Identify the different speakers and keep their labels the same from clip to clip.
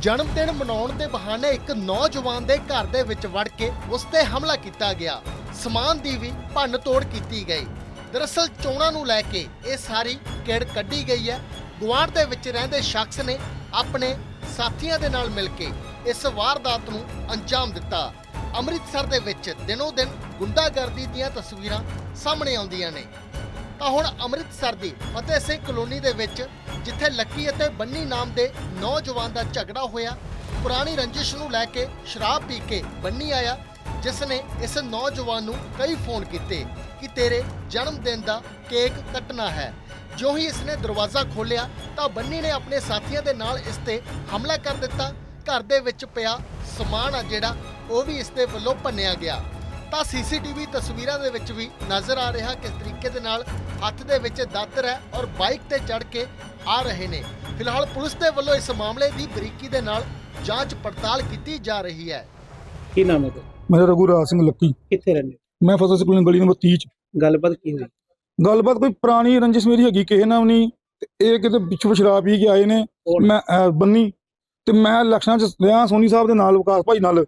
Speaker 1: ਜਨਮ ਦਿਨ ਮਨਾਉਣ ਦੇ ਬਹਾਨੇ ਇੱਕ ਨੌਜਵਾਨ ਦੇ ਘਰ ਦੇ ਵਿੱਚ ਵੜ ਕੇ ਉਸ ਤੇ ਹਮਲਾ ਕੀਤਾ ਗਿਆ। ਸਮਾਨ ਦੀ ਵੀ ਭੰਨ ਤੋੜ ਕੀਤੀ ਗਈ। ਦਰਅਸਲ ਚੋਣਾਂ ਨੂੰ ਲੈ ਕੇ ਇਹ ਸਾਰੀ ਕਿੜ ਕੱਢੀ ਗਈ ਹੈ। ਗੁਆਂਢ ਦੇ ਵਿੱਚ ਰਹਿੰਦੇ ਸ਼ਖਸ ਨੇ ਆਪਣੇ ਸਾਥੀਆਂ ਦੇ ਨਾਲ ਮਿਲ ਕੇ ਇਸ ਵਾਰਦਾਤ ਨੂੰ ਅੰਜਾਮ ਦਿੱਤਾ। ਅੰਮ੍ਰਿਤਸਰ ਦੇ ਵਿੱਚ ਦਿਨੋਂ ਦਿਨ ਗੁੰਡਾਗਰਦੀ ਦੀਆਂ ਤਸਵੀਰਾਂ ਸਾਹਮਣੇ ਆਉਂਦੀਆਂ ਨੇ। ਤਾਂ ਹੁਣ ਅੰਮ੍ਰਿਤਸਰ ਦੀ ਫਤਿਹ ਸਿੰਘ ਕਲੋਨੀ ਦੇ ਵਿੱਚ ਜਿੱਥੇ ਲੱਕੀ ਅਤੇ ਬੰਨੀ ਨਾਮ ਦੇ ਨੌਜਵਾਨ ਦਾ ਝਗੜਾ ਹੋਇਆ, ਪੁਰਾਣੀ ਰੰਜਿਸ਼ ਨੂੰ ਲੈ ਕੇ ਸ਼ਰਾਬ ਪੀ ਕੇ ਬੰਨੀ ਆਇਆ, ਜਿਸ ਨੇ ਇਸ ਨੌਜਵਾਨ ਨੂੰ ਕਈ ਫੋਨ ਕੀਤੇ ਕਿ ਤੇਰੇ ਜਨਮ ਦਿਨ ਦਾ ਕੇਕ ਕੱਟਣਾ ਹੈ। ਜੋ ਹੀ ਇਸਨੇ ਦਰਵਾਜ਼ਾ ਖੋਲ੍ਹਿਆ ਤਾਂ ਬੰਨੀ ਨੇ ਆਪਣੇ ਸਾਥੀਆਂ ਦੇ ਨਾਲ ਇਸ ਤੇ ਹਮਲਾ ਕਰ ਦਿੱਤਾ। ਘਰ ਦੇ ਵਿੱਚ ਪਿਆ ਸਮਾਨ ਆ ਜਿਹੜਾ ਉਹ ਵੀ ਇਸ ਦੇ ਵੱਲੋਂ ਭੰਨਿਆ ਗਿਆ। ਤਾਂ ਸੀਸੀਟੀਵੀ ਤਸਵੀਰਾਂ ਦੇ ਵਿੱਚ ਵੀ ਨਜ਼ਰ ਆ ਰਿਹਾ ਕਿਸ ਤਰੀਕੇ ਦੇ ਨਾਲ ਹੱਥ ਦੇ ਵਿੱਚ ਦਾਤਰ ਹੈ ਔਰ ਬਾਈਕ ਤੇ ਚੜ੍ਹ ਕੇ ਆ ਰਹੇ ਨੇ। ਫਿਲਹਾਲ ਪੁਲਿਸ ਦੇ ਵੱਲੋਂ ਇਸ ਮਾਮਲੇ ਦੀ ਬਰੀਕੀ ਦੇ ਨਾਲ ਜਾਂਚ ਪੜਤਾਲ ਕੀਤੀ ਜਾ ਰਹੀ ਹੈ।
Speaker 2: ਕੀ ਨਾਮ ਹੈ ਤੁਹਾਡਾ?
Speaker 3: ਮੇਰਾ ਰਘੂਰਾਜ ਸਿੰਘ ਲੱਕੀ।
Speaker 2: ਕਿੱਥੇ ਰਹਿੰਦੇ?
Speaker 3: ਮੈਂ ਫਤਿਹ ਸਿੰਘ ਕਲੋਨੀ ਗਲੀ ਨੰਬਰ 30 ਚ।
Speaker 2: ਗੱਲਬਾਤ ਕੀ ਹੋਈ?
Speaker 3: ਗੱਲਬਾਤ ਕੋਈ ਪੁਰਾਣੀ ਰੰਜਿਸ਼ ਮੇਰੀ ਹੈਗੀ ਕਿਸੇ ਨਾਲ ਵੀ ਨਹੀਂ। ਇਹ ਕਿਤੇ ਪਿੱਛੋਂ ਸ਼ਰਾਬ ਪੀ ਕੇ ਆਏ ਨੇ। ਮੈਂ ਬੰਨੀ ਤੇ ਮੈਂ ਇਲੈਕਸ਼ਨਾਂ ਚ ਰਿਹਾ ਸੋਨੀ ਸਾਹਿਬ ਦੇ ਨਾਲ, ਵਿਕਾਸ ਭਾਈ ਨਾਲ,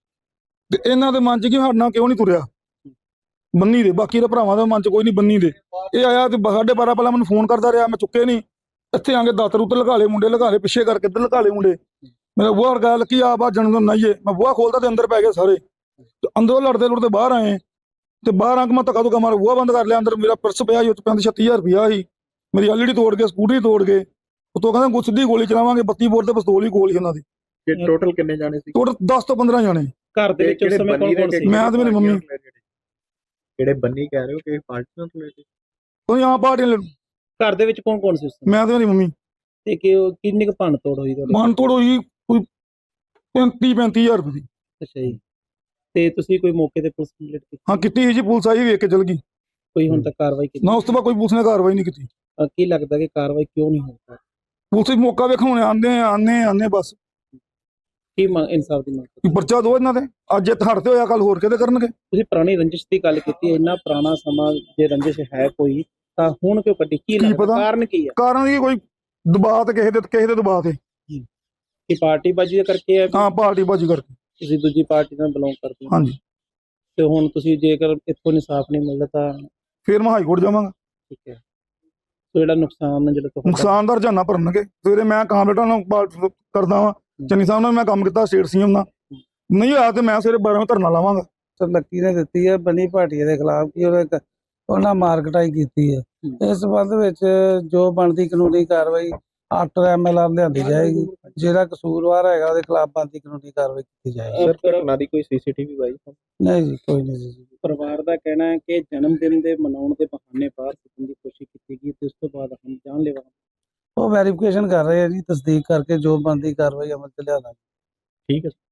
Speaker 3: ਤੇ ਇਹਨਾਂ ਦੇ ਮਨ ਚ ਕਿ ਸਾਡੇ ਨਾਲ ਕਿਉਂ ਨਹੀਂ ਤੁਰਿਆ ਬੰਨੀ ਦੇ। ਬਾਕੀ ਦੇ ਭਰਾਵਾਂ ਦੇ ਮਨ ਚ ਕੋਈ ਨਹੀਂ ਬੰਨੀ ਦੇ। ਇਹ ਆਇਆ ਤੇ 12:30 ਪਹਿਲਾਂ ਮੈਨੂੰ ਫੋਨ ਕਰਦਾ ਰਿਹਾ, ਮੈਂ ਚੁੱਕੇ ਨਹੀਂ। ਇੱਥੇ ਆ ਕੇ ਦਾਤਰ ਉੱਤੇ ਲਗਾ ਲਏ ਮੁੰਡੇ, ਲਗਾ ਲਏ ਪਿੱਛੇ ਕਰਕੇ ਇੱਧਰ ਲਗਾ ਲਏ ਮੁੰਡੇ। ਮੇਰਾ ਬੂਹਾ ਵਰਗਾ ਲੱਕੀ ਆ ਬਾ ਜਨਮ ਦਿਨ ਨਾਈਏ। ਮੈਂ ਬੂਹਾ ਖੋਲਦਾ ਤੇ ਅੰਦਰ ਪੈ ਗਏ ਸਾਰੇ। ਤੇ ਅੰਦਰੋਂ ਲੜਦੇ ਲੁੜਦੇ ਬਾਹਰ ਆਏ ਤੇ ਬਾਹਰ ਆ ਕੇ ਮੈਂ ਧੱਕਾ ਧੁੱਕਾ ਮਾਰ ਬੂਹਾ ਬੰਦ ਕਰ ਲਿਆ। ਅੰਦਰ ਮੇਰਾ ਪਰਸ ਪਿਆ ਸੀ, ਉਹ 'ਚ 35-36 ਹਜ਼ਾਰ ਰੁਪਇਆ ਸੀ। ਮੇਰੀ ਐਲਈਡੀ ਤੋੜ ਕੇ, ਸਕੂਟਰੀ ਤੋੜ ਕੇ, ਉਤੋਂ ਕਹਿੰਦਾ ਸਿੱਧੀ ਗੋਲੀ ਚਲਾਵਾਂਗੇ। 32 ਬੋਰ ਤੇ ਪਿਸਤੌਲ ਹੀ ਕੋਲ ਸੀ ਉਹਨਾਂ ਦੀ।
Speaker 2: ਟੋਟਲ ਕਿੰਨੇ ਜਾਣੇ ਸੀ?
Speaker 3: ਟੋਟਲ 10 ਤੋਂ 15 ਜਾਣੇ।
Speaker 2: ਘਰ ਦੇ ਵਿੱਚ ਉਸ ਸਮੇਂ ਕੌਣ ਸੀ?
Speaker 3: ਮੈਂ ਤੇ ਮੇਰੀ ਮੰਮੀ।
Speaker 4: ਜਿਹੜੇ ਬੰਨੀ ਕਹਿ ਰਹੇ ਹੋ ਕਿ ਪਾਰਟੀ ਨਾਲ ਰਿਲੇਟਡ?
Speaker 3: ਕੋਈ ਆ ਪਾਰਟੀ।
Speaker 2: ਘਰ ਦੇ ਵਿੱਚ ਕੌਣ ਸੀ ਉਸ ਸਮੇਂ?
Speaker 3: ਮੈਂ ਤੇ ਮੇਰੀ ਮੰਮੀ।
Speaker 2: ਤੇ ਕਿੰਨੀ ਕੁ ਭੰਨ ਤੋੜ ਹੋਈ ਤੁਹਾਡੀ?
Speaker 3: ਮਨ ਤੋੜ ਹੋਈ ਕੋਈ 35 ਹਜ਼ਾਰ ਰੁਪਏ ਦੀ।
Speaker 2: ਅੱਛਾ ਜੀ। ਤੇ ਤੁਸੀਂ ਕੋਈ ਮੌਕੇ ਤੇ ਪੁਲਿਸ ਕੰਪਲੇਂਟ ਕੀਤੀ?
Speaker 3: ਹਾਂ ਕੀਤੀ ਜੀ, ਪੁਲਿਸ ਆਈ, ਵੇਖ ਕੇ ਚਲ ਗਈ।
Speaker 2: ਕੋਈ ਹੁਣ ਤੱਕ ਕਾਰਵਾਈ ਕੀਤੀ?
Speaker 3: ਨਾ ਉਸ ਤੋਂ ਬਾਅਦ ਕੋਈ ਪੁਲਿਸ ਨੇ ਕਾਰਵਾਈ ਨਹੀਂ ਕੀਤੀ।
Speaker 2: ਕੀ ਲੱਗਦਾ ਕਿ ਕਾਰਵਾਈ ਕਿਉਂ ਨਹੀਂ ਹੋਈ?
Speaker 3: ਪੁਲਿਸ ਵੀ ਮੌਕਾ ਵੇਖਣ ਆਉਂਦੇ ਬਸ।
Speaker 2: ਕੀ ਇਨਸਾਫ ਦੀ ਮੰਗ ਕਰਦੇ?
Speaker 3: ਪਰਚਾ ਦੋ ਇਹਨਾਂ ਦੇ। ਅੱਜ ਇਹ ਹੜਤੇ ਹੋਇਆ, ਕੱਲ ਹੋਰ ਕਿਤੇ ਕਰਨਗੇ।
Speaker 2: ਤੁਸੀਂ ਪੁਰਾਣੀ ਰੰਜਿਸ਼ ਦੀ ਗੱਲ ਕੀਤੀ, ਇੰਨਾ ਪੁਰਾਣਾ ਸਮਾਂ ਜੇ ਰੰਜਿਸ਼ ਹੈ ਕੋਈ ਤਾਂ ਹੁਣ ਕਿਉਂ ਕੱਢੀ? ਕੀ ਲੱਗਦਾ ਕਾਰਨ ਕੀ ਹੈ?
Speaker 3: ਕਾਰਨ ਕੀ, ਕੋਈ ਦਬਾਅ ਤੇ ਕਿਸੇ ਦੇ ਦਬਾਅ ਤੇ।
Speaker 2: ਕਿ ਪਾਰਟੀ ਬਾਜੀ ਕਰਕੇ ਹੈ?
Speaker 3: ਹਾਂ, ਪਾਰਟੀ ਬਾਜੀ ਕਰਕੇ।
Speaker 2: ਤੁਸੀਂ ਦੂਜੀ ਪਾਰਟੀ ਨਾਲ ਬਿਲੋਂਗ ਕਰਦੇ ਹੋ?
Speaker 3: ਹਾਂਜੀ।
Speaker 2: ਤੇ ਹੁਣ ਤੁਸੀਂ ਜੇਕਰ ਇੱਥੋਂ ਇਨਸਾਫ ਨਹੀਂ ਮਿਲਦਾ ਤਾਂ
Speaker 3: ਫਿਰ ਮੈਂ ਹਾਈ ਕੋਰਟ ਜਾਵਾਂਗਾ।
Speaker 2: ਠੀਕ ਹੈ। ਸੋ ਜਿਹੜਾ ਨੁਕਸਾਨ ਜਿਹੜਾ ਤੁਹਾਡਾ
Speaker 3: ਨੁਕਸਾਨ ਦਾ ਰੁਝਾਨਾ ਭਰਨਗੇ। ਸਵੇਰੇ ਮੈਂ ਕਾਮਰੇਟਾਂ ਨਾਲ ਕਰਦਾ ਵਾਂ, ਚੰਨੀ ਸਾਹਿਬ ਨਾਲ ਮੈਂ ਕੰਮ ਕੀਤਾ, ਸਟੇਟ ਸੀਐਮ ਨਾਲ। ਨਹੀਂ ਹੋਇਆ ਤੇ ਮੈਂ ਸਵੇਰੇ 12 ਵਜੇ ਧਰਨਾ ਲਾਵਾਂਗਾ।
Speaker 5: ਸਰ ਲੱਕੀ ਨੇ ਦਿੱਤੀ ਹੈ ਬਨੀ ਭਾਟੀਆ ਦੇ ਖਿਲਾਫ ਕਿ ਉਹਨਾਂ ਮਾਰਕਟਾਈ ਕੀਤੀ ਹੈ। ਇਸ ਸੰਬੰਧ ਵਿੱਚ ਜੋ ਬਣਦੀ ਕਾਨੂੰਨੀ ਕਾਰਵਾਈ ਆਫਟਰ ਐਮਐਲਆਰ ਲਿਆਂਦੀ ਜਾਏਗੀ। ਜਿਹੜਾ ਕਸੂਰਵਾਰ ਹੈਗਾ ਉਹਦੇ ਖਿਲਾਫ ਬਣਦੀ ਕਾਨੂੰਨੀ ਕਾਰਵਾਈ ਕੀਤੀ ਜਾਏਗੀ।
Speaker 4: ਸਰ ਘਟਨਾ ਦੀ ਕੋਈ ਸੀਸੀਟੀਵੀ ਬਾਈ?
Speaker 5: ਨਹੀਂ ਜੀ, ਕੋਈ ਨਹੀਂ ਜੀ।
Speaker 2: ਪਰਿਵਾਰ ਦਾ ਕਹਿਣਾ ਹੈ ਕਿ ਜਨਮ ਦਿਨ ਦੇ ਮਨਾਉਣ ਦੇ ਬਹਾਨੇ ਬਾਹਰ ਸੁੱਟਣ ਦੀ ਕੋਸ਼ਿਸ਼ ਕੀਤੀ ਗਈ ਤੇ ਉਸ ਤੋਂ ਬਾਅਦ ਹਮ ਜਾਨਲੇਵਾ।
Speaker 5: ਉਹ ਵੈਰੀਫਿਕੇਸ਼ਨ ਕਰ ਰਹੇ ਆ ਜੀ, ਤਸਦੀਕ ਕਰਕੇ ਜੋ ਬਣਦੀ ਕਾਰਵਾਈ ਅਮਲ ਚ ਲਿਆਵਾਂਗੇ।
Speaker 4: ਠੀਕ ਹੈ।